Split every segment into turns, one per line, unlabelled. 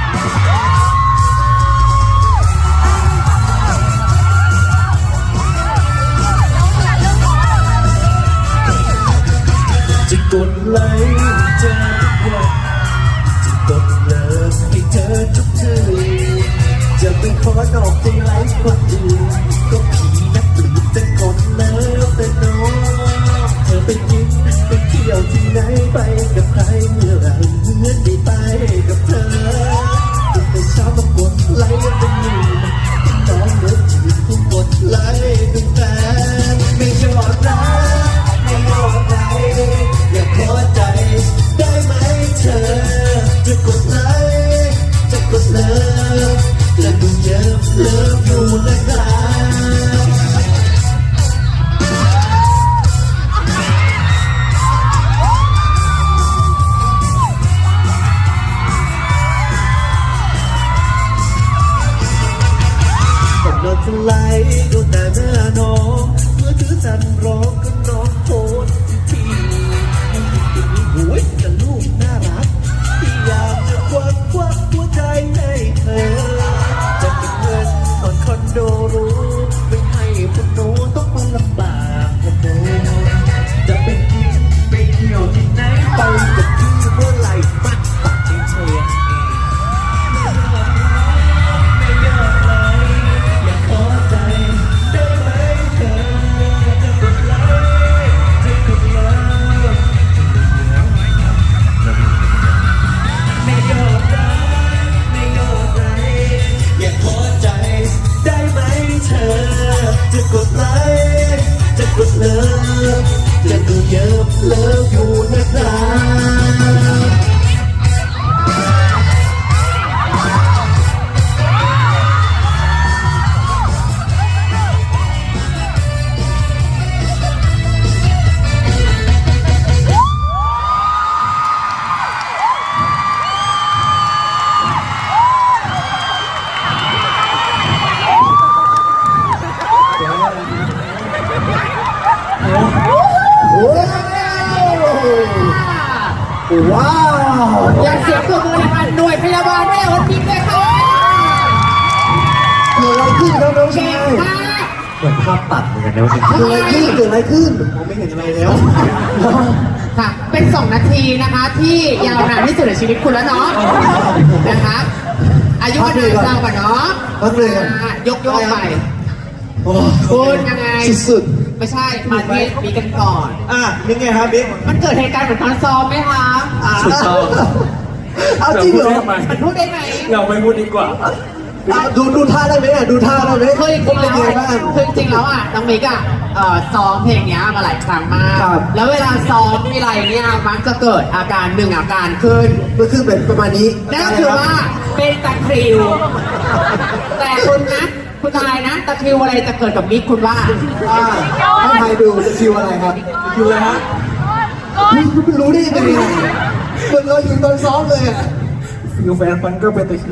จะกดไลค์เธอทุกวันจะกดเลิฟให้เธอทุกทีจะไม่ขอนอกใจไลค์คนอื่นก็ผีนักหรือจะกดเลิฟแต่น้องเธอไปกินไปเที่ยวที่ไหนไปกับใครเมื่อไหร่เมื่อได้ไปกับเธอแต่เช้ามากดไลค์เป็นหนึ่งน้องเลิฟจีบผู้กดไลค์เป็นแฟนไม่ยอดรักไม่ยอดไลค์อยากขอใจได้ไหมเธอจะกดไลค์จะกดเลิฟและดูเยอะเลิฟอยู่นะครับผมนอนสไลด์ดูแต่หน้าน้องเมื่อถือจันร้องก็น้องโพสทีให้ติดมีหวยกับลูกน่ารักที่อยากจะควักหัวใจให้เธอจะเก็บเงินผ่อนคอนโดรู้ไม่ให้พวกหนูต้องมาลำบากพวกหนูจะไปกินไปเที่ยวที่ไหนไปกับพี่เมื่อไหร่ปักให้เธอไม่ยอมเลยอยากขอใจได้ไหมเธอจะกดไลค์จะกดเลิฟไม่ยอมได้ไม่ยอมใจอยากขอใจได้ไหมเธอจะกดไลค์จะกดเลิฟจะดูเยอะเลิฟอยู่นะครับว้าว
อยากเสียงตัวมือนะคะหน่วยพยาบาลแม่วันพิมพ์เลยค่ะ
เกิดอะไรขึ้นครับน้องชาย
มาก
เหมือนภาพตัดเหมือนกันนะว่าเกิดอะไรขึ้นเกิดอะไรขึ้นมองไม่เห็นอะไรแล้ว
ค่ะ เป็น2 นาทีนะคะที่ยาวนานที่สุดในชีวิตคุณแล้วเนาะนะคะอายุวันเดือนเราก่อนเนาะ
พักเลยกัน
ยกไป
โอ้
คุณยังไง
สุด
ไม่ใช่มาที่มีกันก่อน
นี่ไงครับบิ๊ก
มันเกิดเหตุการณ์เหมือนตอนซ้อมไหมคะ
ถูกต้องเอาจริงเหรอ
มันพูดได้ไหม
เราไม่พูดดีกว่า
ดูท่าได้ไหมดูท่าได้ไหม
คือจริงๆ
เป็
แล้
น
ว
ไงบ้าง
คือจริงๆแล้วน้องมิกซ้อมเพลงนี้มาหลายครั้งมาก
ครับ
แล้วเวลาซ้อมมีอะไรเนี่ยมักจะเกิดอาการหนึ่งอาการขึ้น
ก็คือเป็นประมาณนี้
นั่นก็คือว่าเป็นตะคริว แต่คุณนะคุณทายนะตะคริวอะไรจะเกิดกับมิกคุณว่า
ให้ใครดูจะคิวอะไรครับคิวอะไรฮะคุณรู้ได้ยังไงเหมือนเราอยู่ตอนซ้อมเลยอ่ะ
ฟิวแฟนฟันก็เป็นตะคิว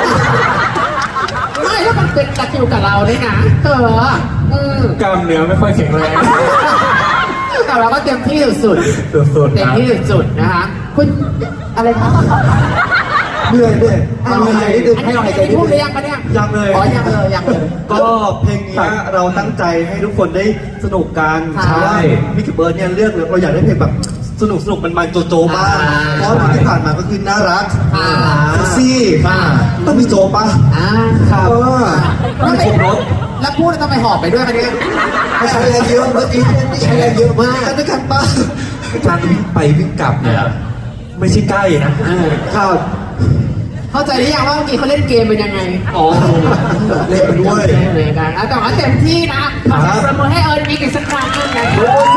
ไม่แล้วมันเป็นตะคริวกับเราด้วยนะ
กล้ามเนื้อไม่ค่อยแข็งแรง
แต่เราก็เต็มที่สุด
สุด
ๆเต็
ๆ
ม
นะ
ที่สุดๆนะคะคุณอะไรนะ
เหนื่อยเอาหายใจนิดนึงให้เราหายใจนิด
พูดห
นึ
รื
ง
อยังปะเนี่ย
ยังเลย
อ๋อยังเลย
ก็เพลงนี้เราตั้งใจให้ทุกคนได้สนุกกัน
ใช่
มิกกี้เบิร์ดเนี่ยเลือกเราอยากได้เพลงแบบสนุกมันโจบ้าง
อ่า
เพราะเพลงที่ผ่านมาก็คือน่ารัก
อ่า
เซ็กซี่ต้องมีโจป่ะ
ครับ
ไม่ครบรถ
แล้วพูดแล้วทำไมหอบไปด้วยคะเนี่ย
ไม่ใช้แรงเยอะเมื่อกี้นี่ใช้แรงเยอะมาก
กันด้วยกันป่ะ
การวิ่งไปวิ่งกลับเนี่ยไม่ใช่ใกล้นะ
ครับ
เข้าใจหรือยังว่าเมื่อกี้เขาเล่นเกมเป็นยังไง
อ๋อ
เล่นไปด้วย
เหมือนกันแต่ว่าเต็มที่นะขอเสียงปรบมือให้เอิร์นมิกอีกสักครั้งหนึงนะ